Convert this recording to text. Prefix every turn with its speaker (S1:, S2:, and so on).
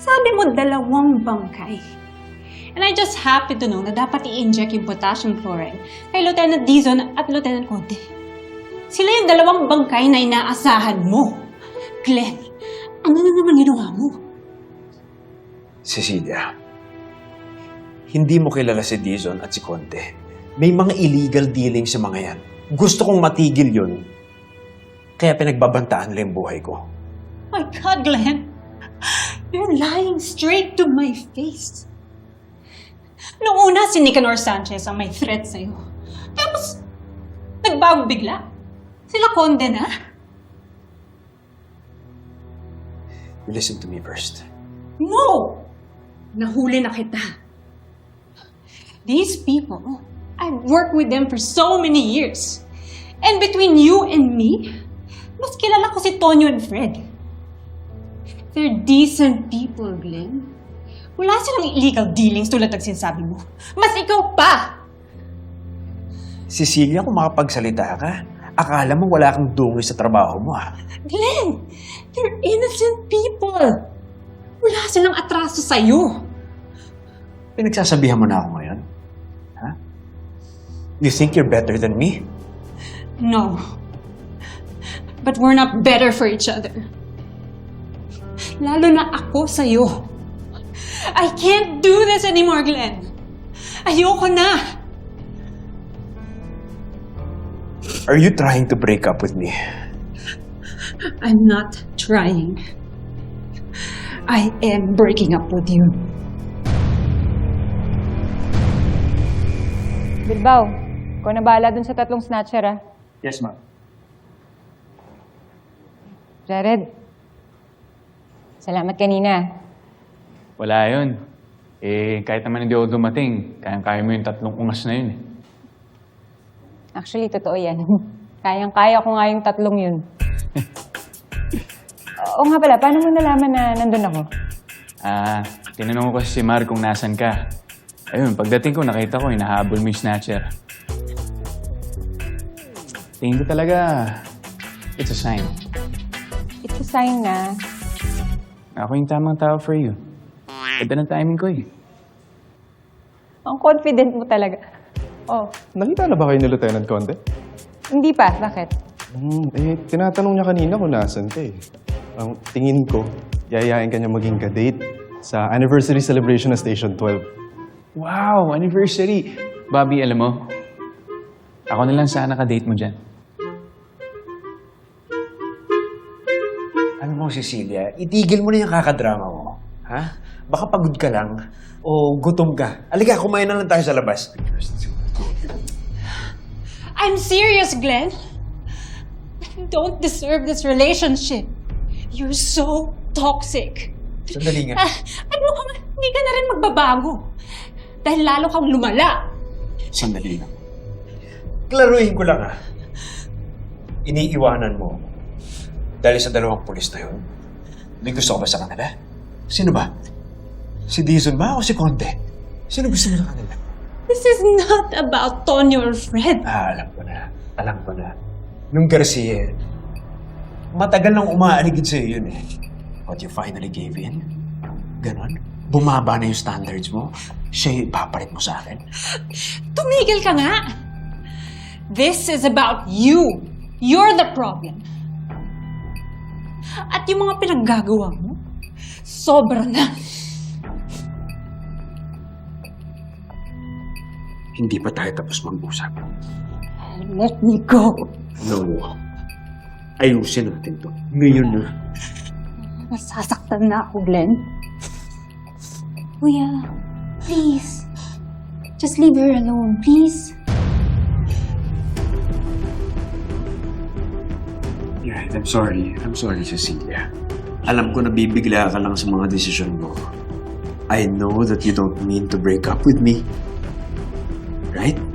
S1: Sabi mo, 2 bangkay. And I just happen to know na dapat i-inject yung potassium chloride kay Lieutenant Dizon at Lieutenant Conte. Sila yung 2 bangkay na inaasahan mo. Glenn, ano na naman ginawa mo?
S2: Cecilia, hindi mo kilala si Dizon at si Conte. May mga illegal dealings sa mga yan. Gusto kong matigil yun. Kaya pinagbabantaan nila yung buhay ko.
S1: My God, Glenn! You're lying straight to my face. Noong una, si Nicanor Sanchez ang may threat sa'yo. Tapos, nagbago bigla. Sila Conde na.
S2: You listen to me first.
S1: No! Nahuli na kita. These people, I've worked with them for so many years. And between you and me, mas kilala ko si Tonyo and Fred. They're decent people, Glenn. Wala silang illegal dealings tulad ng sinasabi mo. Mas ikaw pa!
S2: Cecilia, kung makapagsalita ka, akala mo wala kang dungoy sa trabaho mo, ha?
S1: Glenn! They're innocent people! Wala silang atraso sa'yo.
S2: Pinagsasabihan mo na ako ngayon? Ha? You think you're better than me?
S1: No. But we're not better for each other. Lalo na ako sa'yo. I can't do this anymore, Glenn. Ayoko na.
S2: Are you trying to break up with me?
S1: I'm not trying. I am breaking up with you.
S3: Bilbao, ikaw na bahala dun sa 3 snatcher, ah.
S4: Yes, ma'am.
S3: Jared, salamat kanina.
S4: Wala yun. Kahit naman hindi ako dumating, kayang-kaya mo yung 3 ungas na yun.
S3: Actually, totoo yan. Kayang-kaya ko nga yung 3 yun. Oo nga pala, paano mo nalaman na nandun ako?
S4: Tinanong ko si Mar kung nasan ka. Ayun, pagdating ko, nakita ko, hinahabol mo yung snatcher. Tingin ko talaga, it's a sign.
S3: It's a sign na
S4: Ako yung tamang tao for you. Ganda ng timing ko eh.
S3: ang confident mo talaga. Oh,
S5: Nakita na ba kayo ni Lieutenant Conte?
S3: hindi pa. Bakit?
S5: Tinatanong niya kanina kung nasan ka eh. Ang tingin ko, yayain ka niya maging ka-date sa anniversary celebration ng Station 12.
S4: Wow, anniversary! Bobby, alam mo, ako na lang sana ka-date mo dyan.
S2: Alam mo, Cecilia, itigil mo na yung kakadrama mo. Ha? Baka pagod ka lang o gutom ka. Alika, kumain na lang tayo sa labas.
S1: I'm serious, Glenn. I don't deserve this relationship. You're so toxic.
S2: Sandali nga.
S1: Ano ka, hindi ka na rin magbabago. Dahil lalo kang lumala.
S2: Sandali lang. Klaruhin ko lang, ha? Iniiwanan mo dahil sa 2 pulis na yun. May gusto ka ba sa kanila? Sino ba? Si Dizon ba o si Conte? Sino gusto mo sa kanila?
S1: This is not about Tonyo or Fred.
S2: Alam ko na. Alam ko na. Nung Garcia, matagal nang umaaligid sa'yo yun eh. But you finally gave in? Ganon? Bumaba na yung standards mo? Siya yung ipapalit mo sa akin?
S1: Tumigil ka nga. This is about you. You're the problem. At yung mga pinaggagawa mo, sobra na.
S2: Hindi pa tayo tapos mag-usap.
S1: Let me go.
S2: No. Ayusin natin to. Ngayon na.
S1: Nasasaktan na ako, Glenn.
S6: Kuya, please. Just leave her alone, please.
S2: Yeah, I'm sorry. I'm sorry, Cecilia. Alam ko na bibigla ka lang sa mga desisyon mo. I know that you don't mean to break up with me. Right?